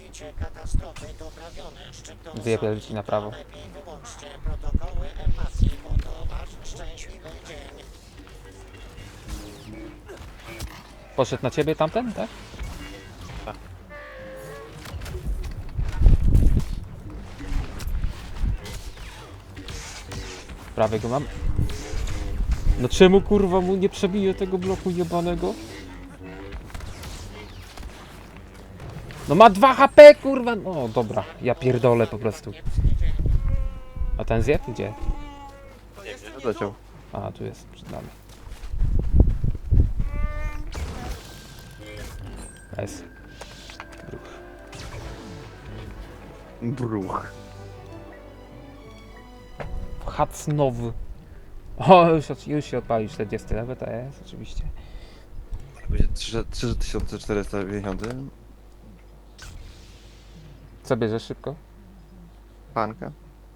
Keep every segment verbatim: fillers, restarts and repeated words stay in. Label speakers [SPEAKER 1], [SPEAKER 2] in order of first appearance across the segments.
[SPEAKER 1] Całkowicie katastrofy doprawione. Szczytną
[SPEAKER 2] Zjebie ci na prawo.
[SPEAKER 1] lepiej wyłączcie protokoły ewakuacji, bo to wasz szczęśliwy dzień.
[SPEAKER 2] Poszedł na ciebie tamten, tak?
[SPEAKER 3] Tak.
[SPEAKER 2] Prawie go mam. No czemu kurwa mu nie przebiję tego bloku jebanego? No ma dwa H P kurwa! No dobra, ja pierdolę po prostu. A ten zjadł? Gdzie?
[SPEAKER 3] Nie wiem, leciał.
[SPEAKER 2] A, tu jest przed nami. Jest.
[SPEAKER 3] Bruch.
[SPEAKER 2] Hacnowy. O, już, od- już się odpalił czterdziesty level, to jest oczywiście.
[SPEAKER 3] Będzie trzy tysiące czterysta pięćdziesiąt.
[SPEAKER 2] Co bierzesz szybko?
[SPEAKER 3] Panka.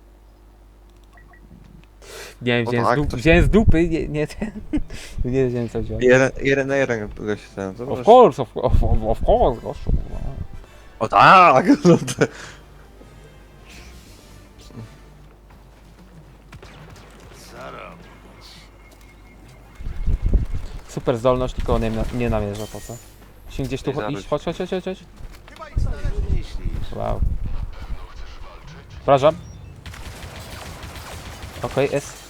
[SPEAKER 2] Nie wiem,
[SPEAKER 3] O
[SPEAKER 2] wziąłem,
[SPEAKER 3] tak,
[SPEAKER 2] z, dup,
[SPEAKER 3] coś-
[SPEAKER 2] wziąłem z dupy, nie, nie, ten, nie wiedziałem co wziąłem.
[SPEAKER 3] Jeden, jeden na jeden kogoś ten.
[SPEAKER 2] Of course, of, of, of course, gościu.
[SPEAKER 3] O tak! No to...
[SPEAKER 2] Super zdolność, tylko nie, nie namierza, po co? Się gdzieś tu
[SPEAKER 3] Nie
[SPEAKER 2] cho-
[SPEAKER 3] zawróć.
[SPEAKER 2] iść, chodź, chodź, chodź, chodź, chodź. Wow. Wrażam. Okej, okay, jest.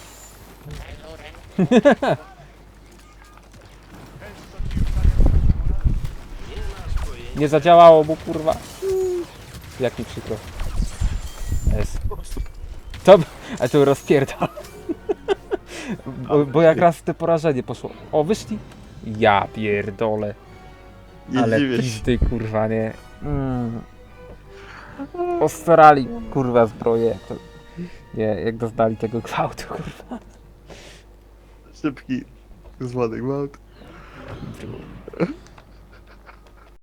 [SPEAKER 2] Nie zadziałało mu, kurwa. Jak mi przykro. Jest. To, a tu rozpierdol. Bo, bo jak raz te porażenie poszło. O, wyszli. Ja pierdolę.
[SPEAKER 3] Nie
[SPEAKER 2] Ale
[SPEAKER 3] dziwię się.
[SPEAKER 2] pizdy, kurwa, nie. Mm. Ostarali, kurwa, zbroję. To, nie, jak doznali tego gwałtu, kurwa.
[SPEAKER 3] Szybki. Złany gwałt.